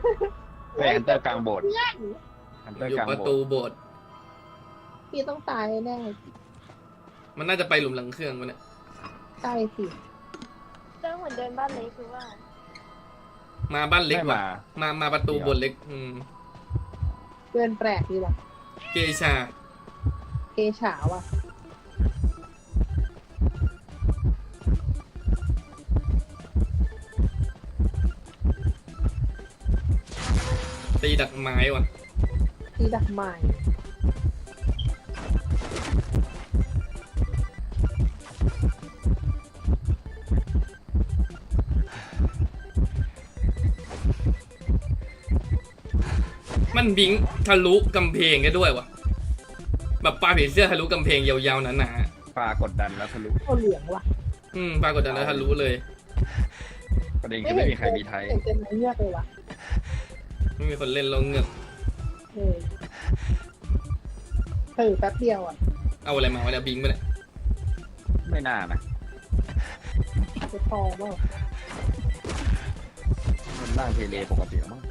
ไปฮันเตอร์กลางโบสถ์เพื่อนฮันเตอร์อยู่กลางประโบตูสถ์โบสถ์พี่ต้องตายแน่มันน่าจะไปหลุมหลังเครื่องมันเนี่ยใช่สิเรื่องเหมือนเดินบ้านเล็กคือว่ามาบ้านเล็กไม่ว่ะมามาประตูโบสถ์เล็กเพื่อนแปลกดีว่ะเกชาเกฉาว่ะตีดักไม้ว่ะตีดักไม้มันบิงทะลุกำแพงกันด้วยว่ะแบบปลาผีเสื้อทะลุกำแพงยาวๆหนาปลากดดันแล้วทะลุเอาเหลืองว่ะๆปรากฏจากนั้นทะลุเลยประเด็นคือไม่มีใครมีไทยเห็นเป็นไม้เงือกเลยว่ะไม่มีคนเล่นเราเงือกเออแป๊บเดียวอ่ะเอาอะไรมาวะเนี่ยบิงไปเนี่ยไม่น่านะจะพอว่ามันร่างเทเลปกติมั้ง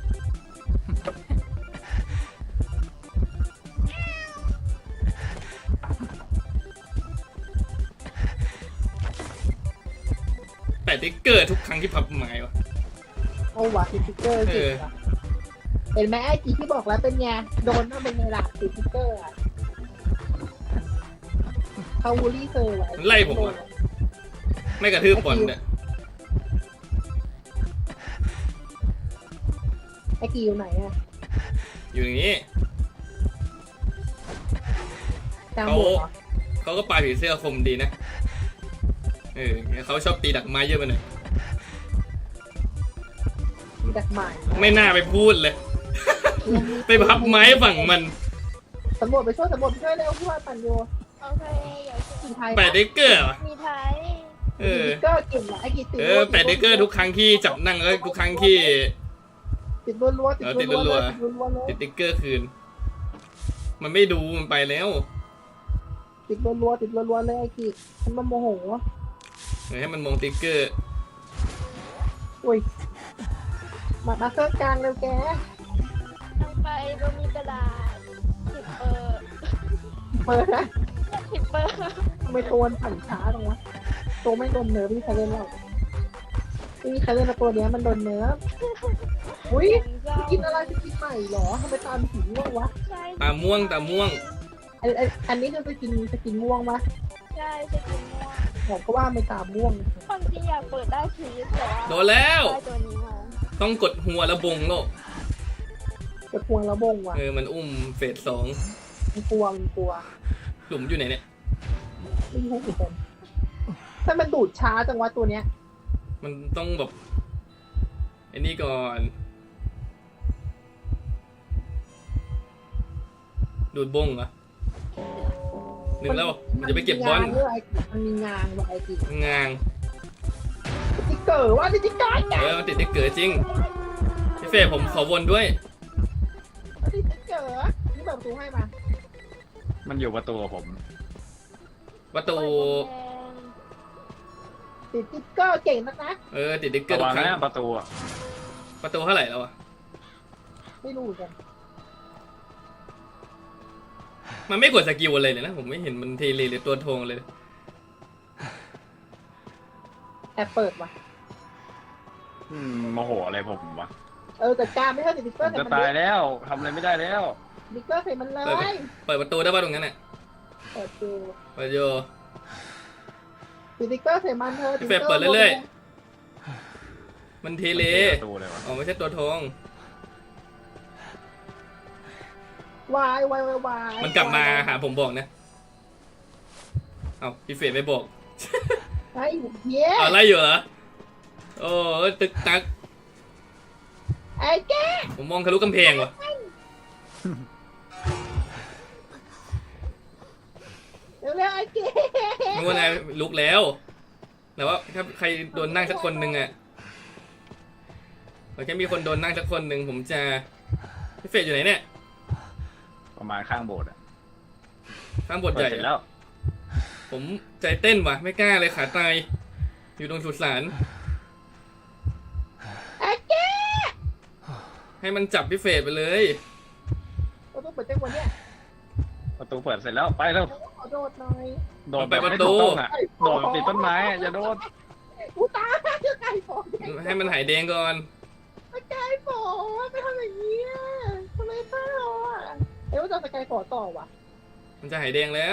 แต่ติ๊กเกอร์ทุกครั้งที่พับไม้ว่ะเอาว่ะติดสติ๊กเกอร์จริงว่ะเห็นไหมไอ้จีที่บอกแล้วเป็นไงโดนต้องเป็นไงล่ะติดสติ๊กเกอร์อ่ะเขาวูลี่เซอร์ไว้มันไล่ผมว่ะไม่กระทืบบอลเนี่ยไอ้กีอยู่ไหนอ่ะอยู่อย่างนี้กลางโบสถ์เหรอเขาก็ปลาผีเสื้อคมดีนะเขาชอบตีดักไม้เยอะไปหน่อยมีดักไม้ไม่น่าไปพูดเลย ไปพับไม้ฝั่งมันสำรวจไปช่วยสำรวจไปช่วยเร็วพี่ว่าปั่นอยู่โอเคอย่าเชื่อกินไทยแปดเดกเกอร์ว่ะมีไทยเออติดสติ๊กเกอร์เก่งว่ะไอ้กีติดแปดเดกเกอร์ทุกครั้งที่จับนั่งแล้วทุกครั้งที่ติดรัวๆติดรัวๆเลยติดรัวๆเลยติดติ๊กเกอร์คืน มันไม่ดูมันไปแล้วติดรัวๆติดรัวๆเลยไอ้กีมันโมโหให้มันมองติ๊กเกอร์อุ้ยมาเครื่องกลางเร็วแกต้องไปก็มีกระดาษ10 เปิดนะ 10 เปอร์ทำไมตัวมันปั่นช้าจังวะตัวไม่โดนเนิร์ฟไม่มีใครเล่นหรอกไม่มีใครเล่นตัวเนี้ยมันโดนเนิร์ฟอุ้ยกินอะไรจะกินใหม่หรอทำไมตามสีม่วงวะใช่ตาม่วงอันนี้คือจะกินม่วงวะใช่จะกินม่วงผมก็ว่าไม่ตามม่วงความจริงอยากเปิดได้ชีสแต่ว่าโดนแล้วได้ตัวนี้มาต้องกดหัวแล้วบงโลกจะพวงระบงวะมันอุ้มเฟส 2 มันกลัวหลุมอยู่ไหนเนี่ยไม่รู้เหมือนกันถ้ามันดูดช้าจังวะตัวเนี้ยมันต้องแบบไอ้นี่ก่อน ดูดบงเหรอหนึ่งแล้วมันจะไปเก็บบอลมันมีงานว่ะไอ้กีงางติ๊กเกอร์ว่าติ๊กเกอร์มันติดติ๊กเกอร์จริงพี่เฟสผมขอวนด้วยติ๊กเกอร์นี่เปิดประตูให้มามันอยู่ประตูกับผมประตูติดติ๊กเกอร์เก่งนักนะติดติ๊กเกอระร์ทุวักงครั้งนะประตูอะประตูเท่าไหร่แล้วอะไม่รู้เหมือนกันมันไม่กดสกิลอะไรเลยนะผมไม่เห็นมันเทเลหรือตัวทงเลยแอบเปิดว่ะโมโหอะไรผมวะแต่การไม่ใช่ติ๊กเกผอร์มใส่จะมันตายแล้วทำอะไรไม่ได้แล้วติ๊กเกอร์ใส่มันเลยเปิดประตูได้ป่ะตรงนั้นน่ะเปิดดูเปิดโยติ๊กเกอร์ใส่มันเธอพี่เฟสเปิดเรื่อยๆมันเทเลประตูเลยวะอ๋อไม่ใช่ตัวทงวายวายมันกลับมาหาผมบอกนะเอาพี่เฟสไม่บอกไอ้เย้เอาไล่อยู่เหรอโอ้ตึกตักไอ้แกผมมองทะลุกำแพงว่ะเร็วๆไอ้แกไม่ว่าไงลุกแล้วแต่ว่าถ้าใครโดนนั่งสักคนหนึ่งอะแค่มีคนโดนนั่งสักคนหนึ่งผมจะพี่เฟสอยู่ไหนเนี่ยประมาณข้างโบสถ์อะข้างบทเปิใหดญ่เสร็จแล้วผมใจเต้นว่ะไม่กล้าเลยขาตายอยู่ตรงสุสานไอ้แกให้มันจับพี่เฟสไปเลยเราต้องเปิดแจ้งวันเนี้ยประตูเปิดเสร็จแล้วไปแล้วขอโดดหน่อยโดดแบบไม่ถูกต้องอ่ะโดดติดต้นไม้อะอย่าโดดกูตายไก่ฝนให้มันหายแดงก่อนไก่ฝนไม่ทำอย่างนี้อ่ะทำไมเศร้าอ่ะว่าจะไก่ฝนต่อวะมันจะหายแดงแล้ว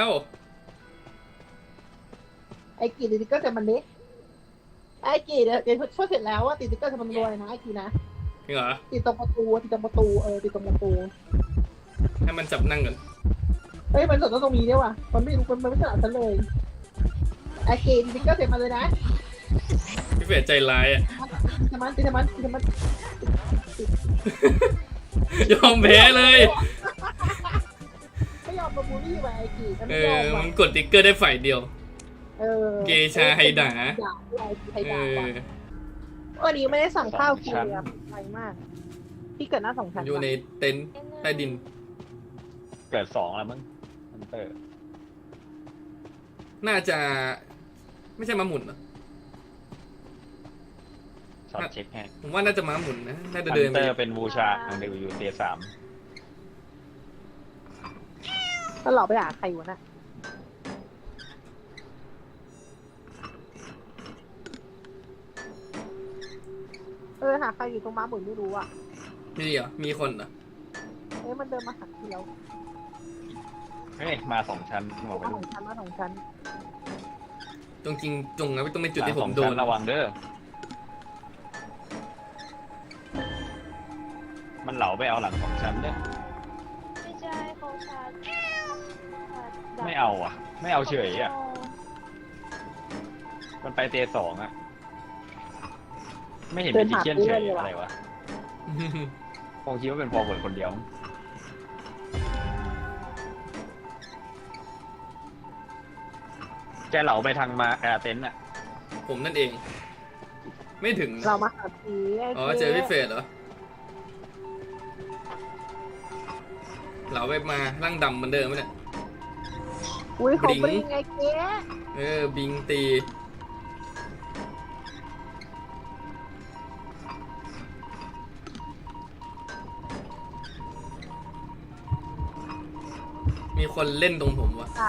ไอ้กีติดก็จะมันเล็กไอ้กีเดี๋ยวช่วยเสร็จแล้วว่าติดก็จะมันรวยนะไอ้กีนะจริงเหรอติดตรงประตูติดตรงประตูติดตรงประตูให้มันจับนั่งก่อนเฮ้ยมันสดตรงนี้ด้วยว่ะมันไม่รู้มันไม่สลับฉันเลยไอ้กีติดก็เสร็จมาเลยนะพี่เฟสใจร้ายอ่ะติดมันยอมแพ้เลยไม่ยอมมาบูลลี่ว่ะไอ้กีมันเอไม่ยออมว่ะมันกดติ๊กเกอร์ได้ฝ่ายเดียว เกชาไฮดาไฮเอดาอว่ะวันนี้ไม่ได้สั่งข้าวกินเลยอะไวมากพี่เกิดหน้า2 ชั้นอยู่ในเต็นท์ใต้ดินเกิด2แล้วมั้งฮันเตอร์น่าจะ ไม่ใช่ม้าหมุนเหรอช็อตเช็คให้ผมว่าน่าจะม้าหมุนนะ น่าจะฮันเดินเตไปอร์เป็นบูชาอังเดอยู่เตีย3 แล้วเราไปหาใครวะน่ะหาใครอยู่ตรงม้าหมุนไม่รู้อ่ะมีเหรอ มีคนเหรอมันเดินมาหักเดียวเฮ้ยมา2 ชั้นบอกไปมาดู 2 ชั้นตรงจริงจงนะไม่ต้องเป็นจุดที่หผลัมงโด 2 นชั้นระวังเด้อมันเหลาไปเอาหลัง2 ชั้นเด้อไม่ใช่เขาชาร์จไม่เอาอ่ะ ไม่เอาเฉยอ่ะมันไปเตีย2อ่ะไม่เห็นเป็นดิเชียนเฉยอะไรวะคงคิดว่าเป็นฟอร์เวิร์ดคนเดียวแกเหลาไปทางมาเต็นท์อ่ะผมนั่นเอง ไม่ถึงเรามาหาผีอ๋อเจอพี่เฟสเหรอ เราไปมาร่างดำเหมือนเดิมไหมเนี่ยอุ้ยเขาบริงไงเก๊บิงตี มีคนเล่นตรงผมวะขา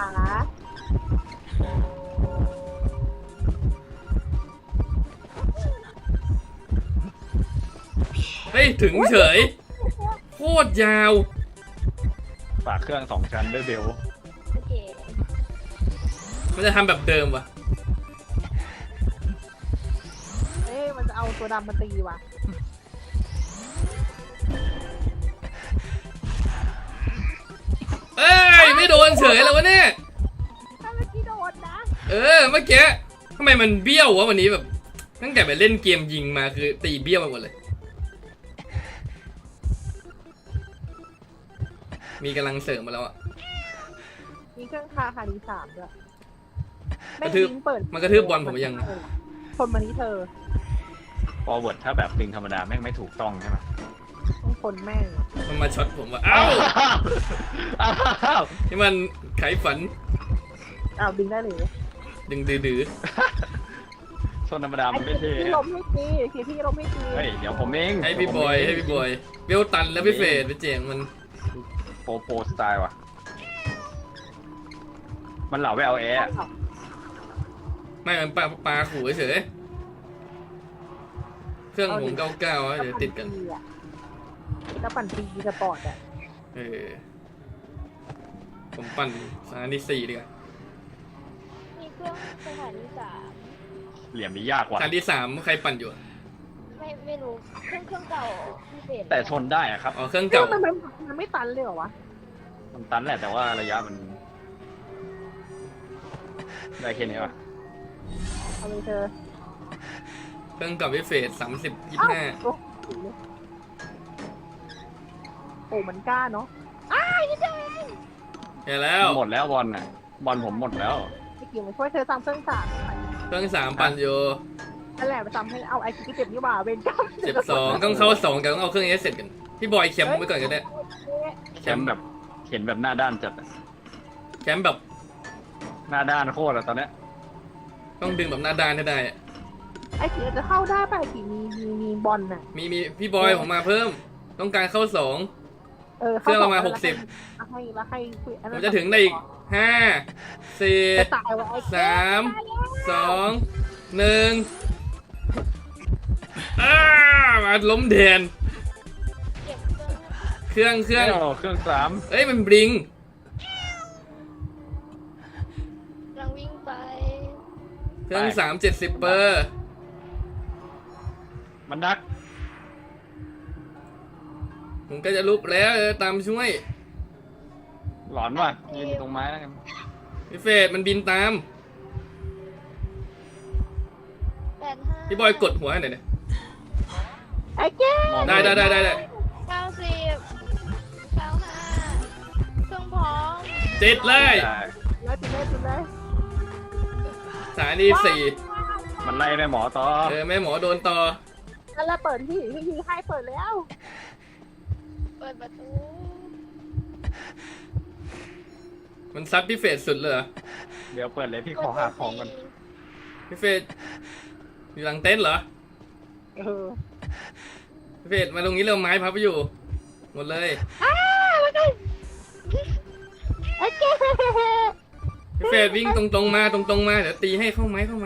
เฮ้ย ถึงเฉย โคตรยาวฝากเครื่อง2 ชั้นด้วยเบลโอเคมันจะทำแบบเดิมวะมันจะเอาตัวดำมาตีว่ะเอ้ย ไม่โดนเฉยแล้ววะเนี่ยถ้าเมื่อกี้โดนนะเมื่อกี้ทำไมมันเบี้ยววะวันนี้แบบ ตั้งแต่ไปเล่นเกมยิงมาคือตีเบี้ยวไปหมดเลย มีกำลังเสริมมาแล้วอะมีเครื่องคาดี3ด้วยกระทืบเปิดมันกระทืบบอลผมยังคนมานี้เธอฟอร์เวิร์ดถ้าแบบปิงธรรมดาแม่งไม่ถูกต้องใช่ไหมต้องคนแม่งมันมาช็อตผมว่าอ้าวอ้าวนี่มันไขฝันบินได้เลยดึงดื้อโซนธรรมดามันไม่เท่พี่ลมให้ตีพี่ลมให้ตีเฮ้ยเดี๋ยวผมเองให้พี่บอยเวลตันแล้วพี่เฟสไปเจ๋งมันโปสไตล์ว่ะมันเหลาไปเอาแอร์ไม่มันปลาขู่เฉยเครื่องผมเก้าๆเดี๋ยวติดกันแล้วปั่นปีสปอร์ตอ่ะผมปั่นสถานี4ดีกว่ามีเครื่องสถานี3 เหลี่ยมนี้ยากกว่าสถานี3ใครปั่นอยู่อะไม่รู้เครื่องเก่าพิเศษแต่ชนได้อะครับอ๋อเครื่องเก่าเก่ามันไม่ตันเลยเหรอวะมันตันแหละแต่ว่าระยะมันได้แค่นี้วะเอาเลยเธอเครื่องเก่าพี่เฟส30 25 โอ้มันกล้าเนาะเห็นแล้วหมดแล้วบอลน่ะบอลผมหมดแล้วไม่เกี่ยวมาช่วยเธอตามเครื่อง3 เครื่อง3ปั่นอยู่นั่นแหละไปทำให้เอาไอคิวเจ็บนี่หว่าเวนก้า 12ต้องเข้า2กันต้องเอาเครื่องเอสเสร็จกันพี่บอยแคมป์ไว้ก่อนก็ได้แคมป์แบบเห็นแบบหน้าด้านจัดอะแคมป์แบบหน้าด้านโคตรอะตอนเนี้ยต้องดึงแบบหน้าด้านให้ได้อะไอคิวจะเข้าได้ป่ะไอคิวมีบอลน่ะมีพี่บอยผมมาเพิ่มต้องการเข้าสองเข้เครื่องประมาณแล้ว 60 แล้วให้อันผนั้นมจะถึงได้อีกห้าสี่จะตายวะไอ้สามสองหนึ่งมาล้มแดนเก็บเครื่องเครื่องเครื่องสามเอ้ยมันบลิงกำลังวิ่งไปเครื่อง370เปอร์มันดักผมก็จะลุกแล้วตามช่วยหลอนว่ะยืนอยู่ตรงไม้แล้วกันพี่เฟดมันบินตาม 85 พี่บอยกดหัวให้หน่อยเนี่ยไอ้เจ๊มองได้ 90 95เครื่องพร้อมติดเลยได้แล้วจุดเลยสถานีสี่มันไล่แม่หมอต่อแม่หมอโดนต่อแล้วเปิดพี่ให้เปิดแล้วเปิดประตูมันซัดพี่เฟดสุดเลยเหรอเดี๋ยวเปิดเลยพี่ขอหาของก่อนพี่เฟดอยู่หลังเต็นท์เหรอ พี่เฟดมาตรงนี้เร็วไม้พับไปอยู่ หมดเลยไอ้เจ๊พี่เฟดวิ่งตรงๆมาตรงๆมาเดี๋ยวตีให้เข้าไหมจ๋า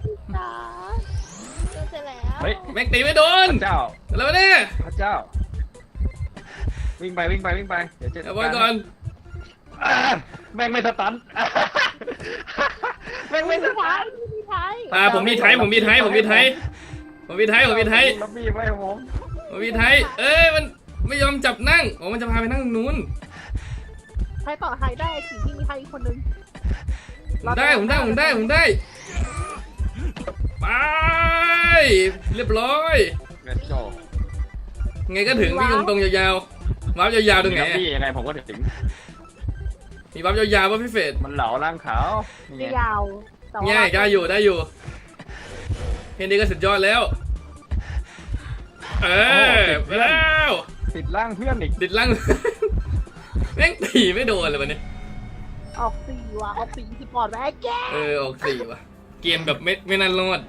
เจอเสร็จแล้วเฮ้ยแม็กตีไม่โดนพระเจ้าแล้วเนี่ยพระเจ้า วิ่งไปเดี๋ยวจะเดี๋ยวบอยก่อนแม่งไม่สตันแม่งไม่สตันผมมีไทยล็อบบี้ไว้ผมมันไม่ยอมจับนั่งมันจะพาไปนั่งตรงนู้นใครต่อใครได้ขี่ที่มีใครอีกคนนึงผมได้ไปเรียบร้อย Let's go ไงก็ถึงวิ่งตรงๆยาวๆวับยาวๆตรงไหนล็อบบี้ยังไงผมก็ถึงมีวับยาวๆป่ะพี่เฟดมันเหลาล่างขาวนี่ไม่ไงยาวแต่ว่าง่ายได้อยู่เฮนดี้ก็สุดยอดแล้วไปแล้วติดล่างเพื่อนอีกติดลัง แม่งตีไม่โดนเลยวันนี้ออก4ว่ะออก4 10ปอดไว้ไอ้แจ๊ออก4ว่ะเกมแบบไม่น่ารอด